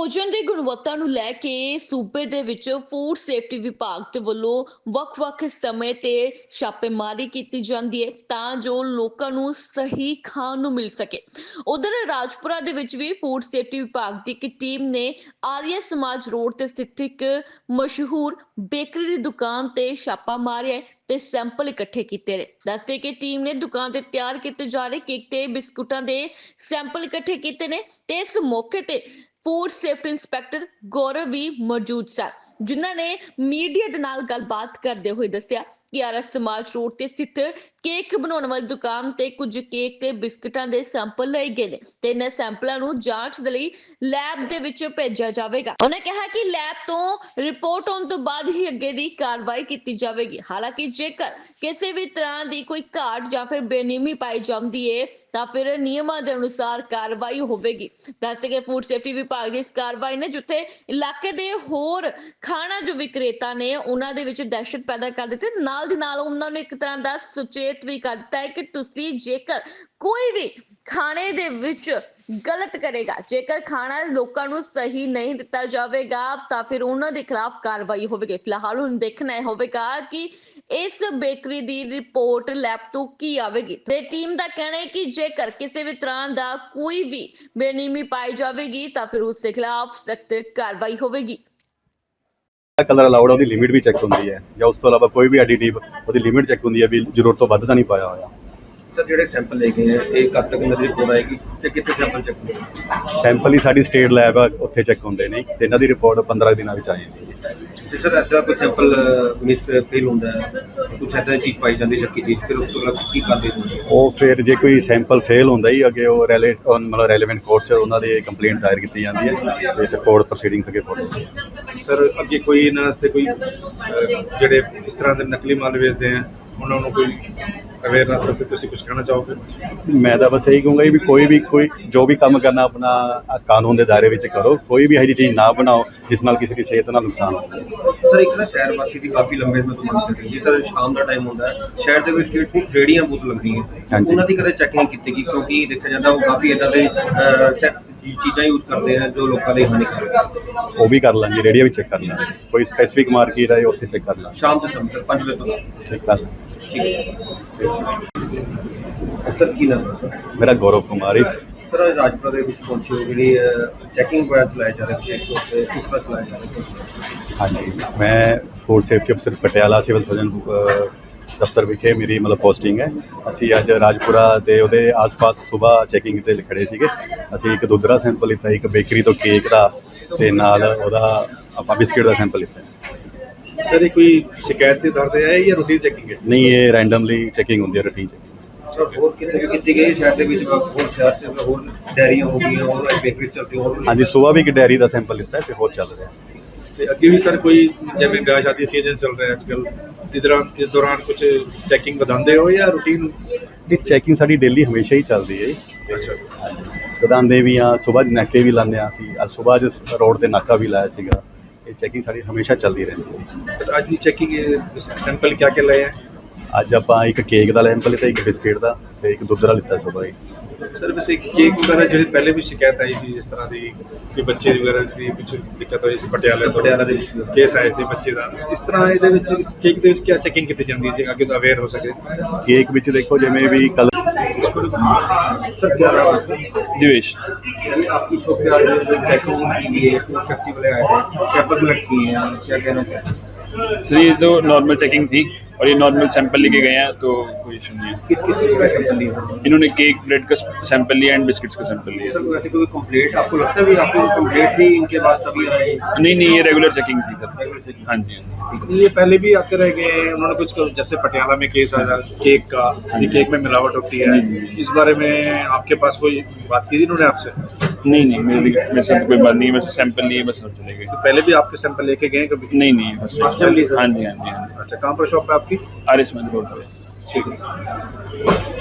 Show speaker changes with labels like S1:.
S1: ਭੋਜਨ ਦੀ ਗੁਣਵੱਤਾ ਨੂੰ ਲੈ ਕੇ ਸੂਬੇ ਦੇ ਵਿੱਚ ਫੂਡ ਸੇਫਟੀ ਵਿਭਾਗ ਦੇ ਵੱਲੋਂ ਵੱਖ-ਵੱਖ ਸਮੇਂ ਤੇ ਛਾਪੇਮਾਰੀ ਕੀਤੀ ਜਾਂਦੀ ਹੈ ਤਾਂ ਜੋ ਲੋਕਾਂ ਨੂੰ ਸਹੀ ਖਾਣ ਨੂੰ ਮਿਲ ਸਕੇ। ਉਧਰ ਰਾਜਪੁਰਾ ਦੇ ਵਿੱਚ ਵੀ ਫੂਡ ਸੇਫਟੀ ਵਿਭਾਗ ਦੀ ਇੱਕ ਟੀਮ ਨੇ ਆਰੀਆ ਸਮਾਜ ਰੋਡ ਤੇ ਸਥਿਤ ਇੱਕ ਮਸ਼ਹੂਰ ਬੇਕਰੀ ਦੀ ਦੁਕਾਨ ਤੇ ਛਾਪਾ ਮਾਰਿਆ ਤੇ ਸੈਂਪਲ ਇਕੱਠੇ ਕੀਤੇ ਨੇ। ਦੱਸਦੇ ਕਿ ਟੀਮ ਨੇ ਦੁਕਾਨ ਤੇ ਤਿਆਰ ਕੀਤੇ ਜਾ ਰਹੇ ਕੇਕ ਤੇ ਬਿਸਕੁਟਾਂ ਦੇ ਸੈਂਪਲ ਇਕੱਠੇ ਕੀਤੇ ਨੇ ਤੇ ਇਸ ਮੌਕੇ ਤੇ ਫੂਡ ਸੇਫਟੀ ਇੰਸਪੈਕਟਰ ਗੌਰਵ ਵੀ ਮੌਜੂਦ ਸਨ, ਜਿਨ੍ਹਾਂ ਨੇ ਮੀਡੀਆ ਦੇ ਨਾਲ ਗੱਲਬਾਤ ਕਰਦੇ ਹੋਏ ਦੱਸਿਆ ਕਿ ਆਰਐਸ ਸਮਾਜ ਰੋਡ ਤੇ ਸਥਿਤ ਕੇਕ ਬਣਾਉਣ ਵਾਲੀ ਦੁਕਾਨ ਤੇ ਕੁਝ ਕੇਕ ਤੇ ਬਿਸਕੁਟਾਂ ਦੇ ਸੈਂਪਲ ਲਏ ਗਏ ਨੇ ਤੇ ਇਹਨਾਂ ਸੈਂਪਲਾਂ ਨੂੰ ਜਾਂਚ ਦੇ ਲਈ ਲੈਬ ਦੇ ਵਿੱਚ ਭੇਜਿਆ ਜਾਵੇਗਾ। ਉਹਨੇ ਕਿਹਾ ਕਿ ਲੈਬ ਤੋਂ ਰਿਪੋਰਟ ਆਉਣ ਤੋਂ ਬਾਅਦ ਹੀ ਅੱਗੇ ਦੀ ਕਾਰਵਾਈ ਕੀਤੀ ਜਾਵੇਗੀ। ਹਾਲਾਂਕਿ ਜੇਕਰ ਕਿਸੇ ਵੀ ਤਰ੍ਹਾਂ ਦੀ ਕੋਈ ਘਾਟ ਜਾਂ ਫਿਰ ਬੇਨਿਯਮੀ ਪਾਈ ਜਾਂਦੀ ਹੈ ਤਾਂ ਫਿਰ ਨਿਯਮਾਂ ਦੇ ਅਨੁਸਾਰ ਕਾਰਵਾਈ ਹੋਵੇਗੀ। ਦੱਸਦੇ ਕਿ ਫੂਡ ਸੇਫਟੀ ਵਿਭਾਗ ਦੀ ਇਸ ਕਾਰਵਾਈ ਨੇ ਜਿੱਥੇ ਇਲਾਕੇ ਦੇ ਹੋਰ ਖਾਣਾ ਜੋ ਵਿਕਰੇਤਾ ਨੇ ਉਹਨਾਂ ਦੇ ਵਿੱਚ ਦਹਿਸ਼ਤ ਪੈਦਾ ਕਰ ਦਿੱਤੀ, ਨਾਲ ਦੀ ਨਾਲ ਉਹਨਾਂ ਨੂੰ ਇੱਕ ਤਰ੍ਹਾਂ ਦਾ ਸੁਚੇਤ ਵੀ ਕਰ ਦਿੱਤਾ ਹੈ ਕਿ ਤੁਸੀਂ ਜੇਕਰ ਕੋਈ ਵੀ ਖਾਣੇ ਦੇ ਵਿੱਚ ਗਲਤ ਕਰੇਗਾ, ਜੇਕਰ ਖਾਣਾ ਲੋਕਾਂ ਨੂੰ ਸਹੀ ਨਹੀਂ ਦਿੱਤਾ ਜਾਵੇਗਾ ਤਾਂ ਫਿਰ ਉਹਨਾਂ ਦੇ ਖਿਲਾਫ ਕਾਰਵਾਈ ਹੋਵੇਗੀ। ਫਿਲਹਾਲ ਹੁਣ ਦੇਖਣਾ ਹੋਵੇਗਾ ਕਿ ਇਸ ਬੇਕਰੀ ਦੀ ਰਿਪੋਰਟ ਲੈਬ ਤੋਂ ਕੀ ਆਵੇਗੀ ਤੇ ਟੀਮ ਦਾ ਕਹਿਣਾ ਹੈ ਕਿ ਜੇਕਰ ਕਿਸੇ ਵੀ ਤਰ੍ਹਾਂ ਦਾ ਕੋਈ ਵੀ ਬੇਨਿਯਮੀ ਪਾਈ ਜਾਵੇਗੀ ਤਾਂ ਫਿਰ ਉਸ ਦੇ ਖਿਲਾਫ ਸਖਤ ਕਾਰਵਾਈ ਹੋਵੇਗੀ।
S2: ਕਲਰ ਅਲਾਉਡ ਉਹਦੀ ਲਿਮਿਟ ਵੀ ਚੈੱਕ ਹੁੰਦੀ ਹੈ ਜਾਂ ਉਸ ਤੋਂ ਇਲਾਵਾ ਕੋਈ ਵੀ ਐਡੀਟਿਵ ਉਹਦੀ ਲਿਮਿਟ ਚੈੱਕ ਹੁੰਦੀ ਹੈ ਵੀ ਜ਼ਰੂਰਤ ਤੋਂ ਵੱਧ ਤਾਂ ਨਹੀਂ ਪਾਇਆ ਹੋਇਆ।
S3: ਸਰ ਜਿਹੜੇ ਸੈਂਪਲ ਲੈ ਗਏ ਆ ਇਹ ਕਦ ਤੱਕ ਇਹਨਾਂ ਦੀ ਰਿਪੋਰਟ ਆਏਗੀ ਤੇ ਕਿੱਥੇ ਸੈਂਪਲ ਚੈੱਕ ਹੋਣਗੇ?
S2: ਸੈਂਪਲ ਹੀ ਸਾਡੀ ਸਟੇਟ ਲੈਬ ਆ, ਉੱਥੇ ਚੈੱਕ ਹੁੰਦੇ ਨੇ ਤੇ ਇਹਨਾਂ ਦੀ ਰਿਪੋਰਟ 15 ਦਿਨਾਂ ਵਿੱਚ ਆ ਜਾਂਦੀ ਹੈ।
S3: ਤੇ ਸਰ ਐਸਾ ਕੋਈ ਸੈਂਪਲ ਮਿਸ ਫੇਲ ਹੁੰਦਾ ਹੈ, ਕੁਛ ਐਸਾ ਚੀਜ਼ ਪਾਈ ਜਾਂਦੀ ਸ਼ੱਕੀ ਚੀਜ਼, ਫਿਰ ਉਸ ਤੋਂ ਬਾਅਦ ਕੀ ਕਰਦੇ ਹੋ?
S2: ਉਹ ਫਿਰ ਜੇ ਕੋਈ ਸੈਂਪਲ ਫੇਲ ਹੁੰਦਾ ਹੀ ਅੱਗੇ ਉਹ ਮਤਲਬ ਰੈਲੇਵੈਂਟ ਕੋਰਟ 'ਚ ਉਹਨਾਂ ਦੀ ਕੰਪਲੇਂਟ ਦਾਇਰ ਕੀਤੀ ਜਾਂਦੀ ਹੈ ਤੇ ਫਿਰ ਕੋਰਟ ਪ੍ਰੋਸੀਡਿੰਗਸ ਅੱਗੇ ਫੋਲੋ।
S3: ਸਰ ਅੱਗੇ ਕੋਈ ਇਹਨਾਂ ਵਾਸਤੇ ਕੋਈ ਜਿਹੜੇ ਇਸ ਤਰ੍ਹਾਂ ਦੇ ਨਕਲੀ ਮਾਲ ਵੇਚਦੇ ਆ ਉਹਨਾਂ ਨੂੰ ਕੋਈ ਅਵੇਅਰਨੈਸ ਵਾਸਤੇ ਤੁਸੀਂ ਕੁਝ ਕਹਿਣਾ ਚਾਹੋਗੇ?
S2: ਮੈਂ ਤਾਂ ਬਸ ਇਹੀ ਕਹੂੰਗਾ ਵੀ ਕੋਈ ਜੋ ਵੀ ਕੰਮ ਕਰਨਾ ਆਪਣਾ ਕਾਨੂੰਨ ਦੇ ਦਾਇਰੇ ਵਿੱਚ ਕਰੋ, ਕੋਈ ਵੀ ਇਹੋ ਜਿਹੀ ਚੀਜ਼ ਨਾ ਬਣਾਓ ਜਿਸ ਨਾਲ ਕਿਸੇ ਦੀ ਸਿਹਤ ਨਾਲ ਨੁਕਸਾਨ ਹੋਵੇ।
S3: ਸਰ ਇੱਕ ਨਾ ਸ਼ਹਿਰ ਵਾਸੀ ਦੀ ਕਾਫੀ ਲੰਬੇ ਸਮੇਂ ਤੋਂ ਮੰਗ ਸੀ, ਜਿਸ ਸ਼ਾਮ ਦਾ ਟਾਈਮ ਹੁੰਦਾ ਹੈ ਸ਼ਹਿਰ ਦੇ ਵਿੱਚ ਸਟਰੀਟ ਫੂਡ ਰੇਹੜੀਆਂ ਬਹੁਤ ਲੱਗਦੀਆਂ, ਉਹਨਾਂ ਦੀ ਕਦੇ ਚੈਕਿੰਗ ਕੀਤੀ ਗਈ? ਕਿਉਂਕਿ ਦੇਖਿਆ ਜਾਂਦਾ ਉਹ ਕਾਫੀ ਇੱਦਾਂ ਦੇ ਚੀਜ਼ਾਂ ਯੂਜ਼ ਕਰਦੇ ਆ ਜੋ ਲੋਕਾਂ ਲਈ ਹਾਨੀਕਾਰਕ ਹੈ।
S2: ਉਹ ਵੀ ਕਰ ਲਾਂਗੇ, ਰੇਹੜੀਆਂ ਵੀ ਚੈੱਕ ਕਰ ਲਾਂਗੇ, ਕੋਈ ਸਪੈਸੀਫਿਕ ਮਾਰਕੀਟ ਹੈ ਉੱਥੇ ਚੈੱਕ ਕਰ ਲਾਂਗੇ
S3: ਸ਼ਾਮ ਦੇ ਸਮੇਂ 5 ਵਜੇ ਤੋਂ
S2: ਚੈੱਕ ਕਰ ਲਾਂਗੇ।
S3: ਸਰ ਕੀ ਨਾਮ ਹੈ?
S2: ਮੇਰਾ ਗੌਰਵ ਕੁਮਾਰ ਹੈ।
S3: ਸਰ ਰਾਜਪੁਰਾ ਦੇ ਵਿੱਚ ਪਹੁੰਚੇ ਜਿਹੜੀ ਚੈਕਿੰਗ ਪੁਆਇੰਟ ਚਲਾਏ ਜਾ ਰਹੇ ਸੀ ਉੱਥੇ ਕਿਸ ਤਰ੍ਹਾਂ ਚਲਾਏ ਜਾ ਰਹੇ?
S2: ਹਾਂਜੀ, ਮੈਂ ਫੂਡ ਸੇਫਟੀ ਅਫਸਰ ਪਟਿਆਲਾ ਸਿਵਲ ਸਰਜਨ ਦਫ਼ਤਰ ਵਿਖੇ ਮੇਰੀ ਮਤਲਬ ਪੋਸਟਿੰਗ ਹੈ। ਅਸੀਂ ਅੱਜ ਰਾਜਪੁਰਾ ਦੇ ਉਹਦੇ ਆਸ-ਪਾਸ ਸਵੇਰ ਚੈਕਿੰਗ ਤੇ ਖੜੇ ਸੀਗੇ। ਅਸੀਂ ਇੱਕ ਦੁੱਧਰਾ ਸੈਂਪਲ ਲਿੱਤਾ, ਇੱਕ ਬੇਕਰੀ ਤੋਂ ਕੇਕ ਦਾ ਤੇ ਨਾਲ ਉਹਦਾ ਆਪਾਂ ਬਿਸਕਿਟ ਦਾ ਸੈਂਪਲ ਲਿੱਤਾ।
S3: ਸਰ ਇਹ ਕੋਈ ਸ਼ਿਕਾਇਤ ਦੇ ਦਰ ਤੇ ਹੈ ਜਾਂ ਰੂਟੀਨ ਚੈਕਿੰਗ ਹੈ?
S2: ਨਹੀਂ, ਇਹ ਰੈਂਡਮਲੀ ਚੈਕਿੰਗ ਹੁੰਦੀ ਹੈ, ਰੂਟੀਨ ਚੈਕਿੰਗ।
S3: ਸਰ ਹੋਰ ਕਿਤੇ ਕੀਤੀ ਗਈ ਸ਼ਹਿਰ ਦੇ ਵਿੱਚ, ਹੋਰ ਸ਼ਹਿਰ 'ਚ ਹੋਰ ਡੈਰੀਆਂ ਹੋ ਗਈਆਂ, ਹੋਰ ਬੇਕਰੀ ਚੱਲਦੀ ਹੋਰ?
S2: ਹਾਂਜੀ, ਸਵੇਰ ਵੀ ਇੱਕ ਡੈਰੀ ਦਾ ਸੈਂਪਲ ਲਿੱਤਾ ਤੇ ਹੋਰ ਚੱਲ ਰਿਹਾ।
S3: ਤੇ ਅੱਗੇ ਵੀ ਸਰ ਕੋਈ ਜਿਵੇਂ ਵਿਆਹ ਸ਼ਾਦੀ ਸੀਜ਼ਨ ਚੱਲ ਰਿਹਾ ਅੱਜ ਕੱਲ੍ਹ, ਇਸ ਦੌਰਾਨ ਕੁਝ ਚੈਕਿੰਗ ਵਧਾਉਂਦੇ ਹੋ ਜਾਂ ਰੂਟੀਨ?
S2: ਇਹ ਚੈਕਿੰਗ ਸਾਡੀ ਡੇਲੀ ਹਮੇਸ਼ਾ ਹੀ ਚੱਲਦੀ ਹੈ। ਵਧਾਉਂਦੇ ਵੀ ਆ, ਸਵੇਰ ਨਾਕੇ ਵੀ ਲਾਉਂਦੇ ਹਾਂ ਅਸੀਂ। ਅੱਜ ਸਵੇਰ ਰੋਡ ਤੇ ਨਾਕਾ ਵੀ ਲਾਇਆ ਸੀਗਾ। ਇਹ ਚੈਕਿੰਗ ਸਾਡੀ ਹਮੇਸ਼ਾ ਚੱਲਦੀ ਰਹਿੰਦੀ ਹੈ।
S3: ਅੱਜ ਦੀ ਚੈਕਿੰਗ ਸੈਂਪਲ ਕਿਆ ਕਿਆ ਲਏ ਹੈ?
S2: ਅੱਜ ਆਪਾਂ ਇੱਕ ਕੇਕ ਦਾ ਸੈਂਪਲ ਲਿੱਤਾ, ਇੱਕ ਬਿਸਕਿਟ ਦਾ ਤੇ ਇੱਕ ਦੁੱਧ ਦਾ ਲਿੱਤਾ ਸਵੇਰ।
S3: ਸਰ ਵੈਸੇ ਕੇਕ ਵਗੈਰਾ ਜਿਹੜੀ ਪਹਿਲੇ ਵੀ ਸ਼ਿਕਾਇਤ ਆਈ ਸੀ ਇਸ ਤਰ੍ਹਾਂ ਦੀ ਕਿ ਬੱਚੇ ਵਗੈਰਾ ਦੀ ਕੁਝ ਦਿੱਕਤ ਹੋਈ ਸੀ, ਪਟਿਆਲਾ ਦੇ ਵਿੱਚ ਕੇਸ ਆਏ ਸੀ ਬੱਚੇ ਦਾ, ਇਸ ਤਰ੍ਹਾਂ ਇਹਦੇ ਵਿੱਚ ਕੇਕ ਦੇ ਵਿੱਚ ਕੀ ਚੈਕਿੰਗ ਕੀਤੀ ਜਾਂਦੀ ਹੈ ਜੀ ਅੱਗੇ ਤੋਂ ਅਵੇਅਰ ਹੋ ਸਕੇ?
S2: ਕੇਕ ਵਿੱਚ ਦੇਖੋ ਜਿਵੇਂ ਵੀ ਕਲਰ।
S3: सर क्या नाम है?
S2: दिवेश।
S3: आपकी शॉप पे आज चेकिंग की है, फेस्टिवल आए हैं, क्या कलेक्ट किए हैं, क्या कहना चाहते हैं?
S4: तो ये तो नॉर्मल चेकिंग थी और ये नॉर्मल सैंपल लेके गए हैं, तो कोई इशू नहीं है।
S3: किस किस चीज़ का सैंपल लिया?
S4: इन्होंने केक ब्रेड का सैंपल लिया एंड बिस्किट्स का सैंपल लिया।
S3: सर वैसे कोई कंप्लेंट आपको लगता है भी आपको कंप्लेंट थी इनके बाद तभी आए?
S4: नहीं, ये रेगुलर चेकिंग थी सर। हाँ जी।
S3: ये पहले भी आते रह गए हैं, उन्होंने कुछ जैसे पटियाला में केस आया केक का, ये केक में मिलावट होती है, इस बारे में आपके पास कोई बात की थी इन्होंने आपसे?
S4: नहीं, मेरे साथ कोई बात नहीं है, बस सैंपल लिए बस चले गए।
S3: तो पहले भी आपके सैंपल लेके गए कभी?
S4: नहीं, बस
S3: हाँ जी।
S4: हाँ जी।
S3: अच्छा, कहाँ पर शॉप है आपकी?
S4: आर एस रोड पे।
S3: ठीक है।